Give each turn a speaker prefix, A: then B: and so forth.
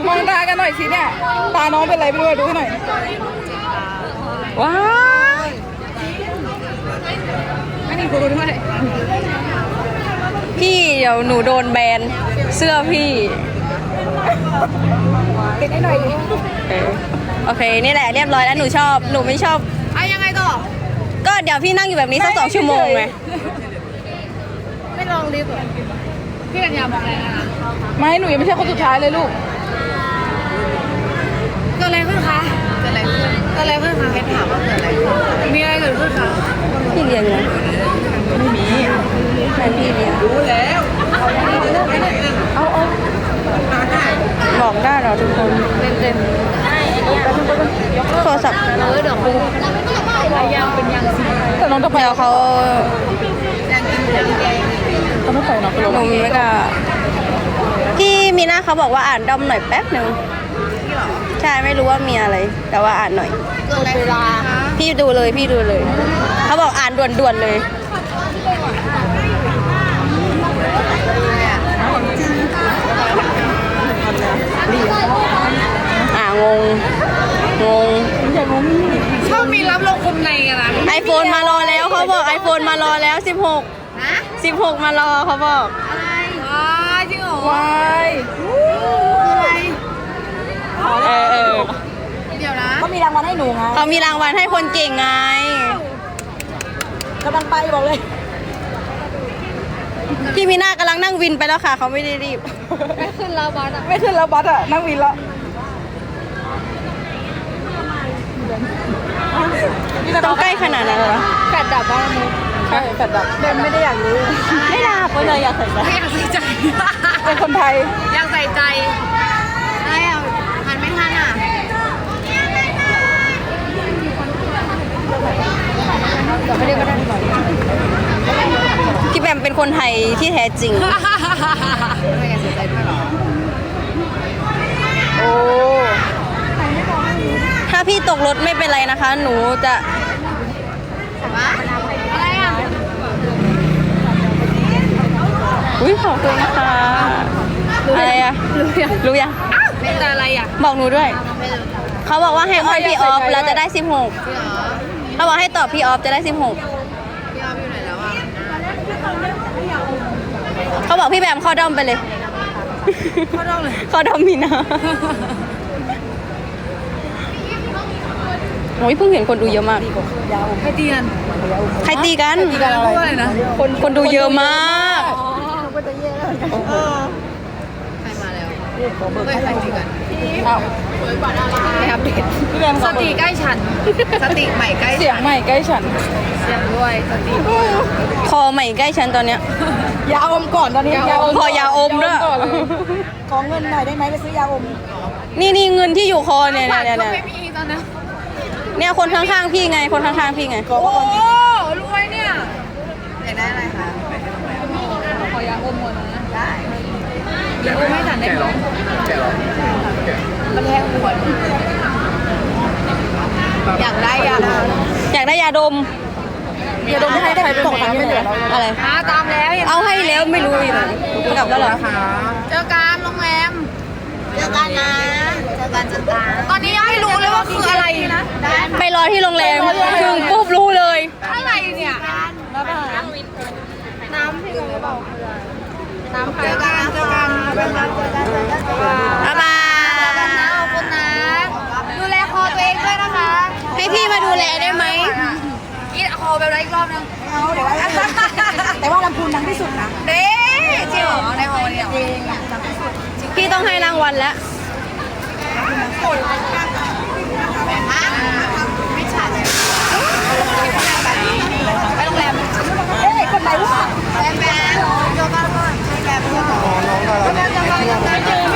A: มองตากันหน่อยสิเนี่ยตาน้องเป็นไรไม่รู้ดูให้หน่อยว้าวไม่มีกูด้วย
B: พี่เดี๋ยวหนูโดนแบนเสื้อพี่
A: ติดให้หน่อยดิ
B: โอเคนี่แหละเรียบร้อยแล้วหนูชอบหนูไม่ชอบ
A: ยังไงต่อ
B: ก็เดี๋ยวพี่นั่งอยู่แบบนี้สัก2 ชั่วโมงไง
A: ไม่ลองลิฟต์พี่กัญญาบอกอะไรนะไม่หนูยังไม่ใช่คนสุดท้ายเลยลูกเกิดอะไรขึ้นคะเกิดอะไรขึ้นเพชรถามว่าเกิดอะไรขึ้นมีอะไรเกิดขึ้นคะ
B: พี่เรียนไง
A: ไม่มี
B: แม่พี่เรียน
A: รู้แล้วเอา
B: บอกได้เหรอทุกคน
A: เต็ม
B: โทรศัพท์
A: เดี๋ยวครูยังเป็นยังสิแต่น้องจะไป
B: เดี๋ยวเขา
A: เขาไม่ไปเนาะ
B: หนูไม่กล้าพี่มีหน้าเขาบอกว่าอ่านดอมหน่อยแป๊บหนึ่งใช่ไม่รู้ว่ามีอะไรแต่ว่าอ่านหน่อย
A: เวลา
B: พี่ดูเลยเขาบอกอ่านด่วนๆเลยงง
A: ชอบมีรับลงคมในกันนะ
B: iPhone มารอแล้วเขาบอก iPhone มารอแล้ว16มารอเขาบอก
A: จริงเหรอวายเดี๋ยวนะเขามีรางวัลให้หนูไง
B: เขามีรางวัลให้คนเก่งไง
A: กำลังไปบอกเลย
B: พี่มีหน้ากำลังนั่งวินไปแล้วค่ะเขาไม่ได้รีบ
A: ไม่ขึ้นแล้วบัสนั่งวินแล้ว
B: ต้องใกล้ขนาดนั้นเหรอ
A: แฟดดับบ้างมุกใช่แฟดดับเบนไม่ได้อยากรู้
B: ไม่ดับเพราะเลยอยากใส่ใจ
A: เป็นคนไทย
C: อยากใส่ใจอะไรอ่ะหันไม่ทันอ่ะ
A: ไม่ได้ก็ได้
B: พี่แบมเป็นคนไทยที่แท้จริง
C: ไม่อยากใส่ใจด้วยหรอ
A: โอ้
B: ถ้าพี่ตกรถไม่เป็นไรนะคะหนูจะ
C: อะไรอ่ะ
B: อุ้ยขอบคุณนะคะอะไรอะรู้ยัง
C: เป็นอะไรอ่ะ
B: บอกหนูด้วยเขาบอกว่าให้อ้อนพี่ออฟแล้วจะได้16เขาบอกให้ตอบพี่ออฟจะได้16
C: พี่ออฟอยู่ไหนแล้วอ่ะ
B: เขาบอกพี่แบมเข้าด้อมไปเลยเข้าด้อมมีนะโอ้ยเพิ่งเห็นคนดูเยอะมาก
A: ใครตีกัน
B: ด้วยนะคนดูเยอะมาก
C: ใครมาแล้วใครตีกัน
A: ไม่อัปเดต
C: สติใกล้ฉันสติใหม่ใกล้
A: เสียงใหม่ใกล้ฉัน
C: เสียงด้วยสติ
B: คอใหม่ใกล้ฉันตอนเนี้ย
A: ยาอมก่อนตอนนี้
B: พอยาอมด้วย
A: ขอเงินหน่อยได้ไหมไปซื้อยาอม
B: นี่เงินที่อยู่คอเนี่ย
C: ก็ไม่มีตอนนั้น
B: เนี่ยคนข้างๆพี่ไงโอ้
C: รวยเนี่ยอยากได้อะไรคะ
A: ขอยาอมหมดนะ
C: ได้ยาอมไม่ฉันได้ไหมมันแทงปวดอยากได้ยา
B: ดม
A: ให้ใครเป็นของไม่เหลือ
B: อะไร
C: ตามแล้ว
B: เอาให้แล้วไม่รู้อีกกลับแล้วเหรอ
C: เจอกันโรงแรมเจอกันตอนนี้ยังไม่รู้เลยว่าคืออะไรนะ
B: ไปรอที่โรงแรมถึงปุ๊บรู้เลย
C: อะไรเนี่ยน้ำพี่รู้เปล่าน้ำเจอกัน
B: บ๊ายบาย
C: ขอบคุณนะดูแลคอตัวเองด้วยนะคะ
B: ให้พี่มาดูแลได้ไหม
C: กินคอแบบไรอีกรอบนึง
A: แต่ว่าลำพูนดังที่สุดนะ
C: เด้จริงเหรอในคอเนี่ย
B: พี่ต้องให้รางวัลแล้ว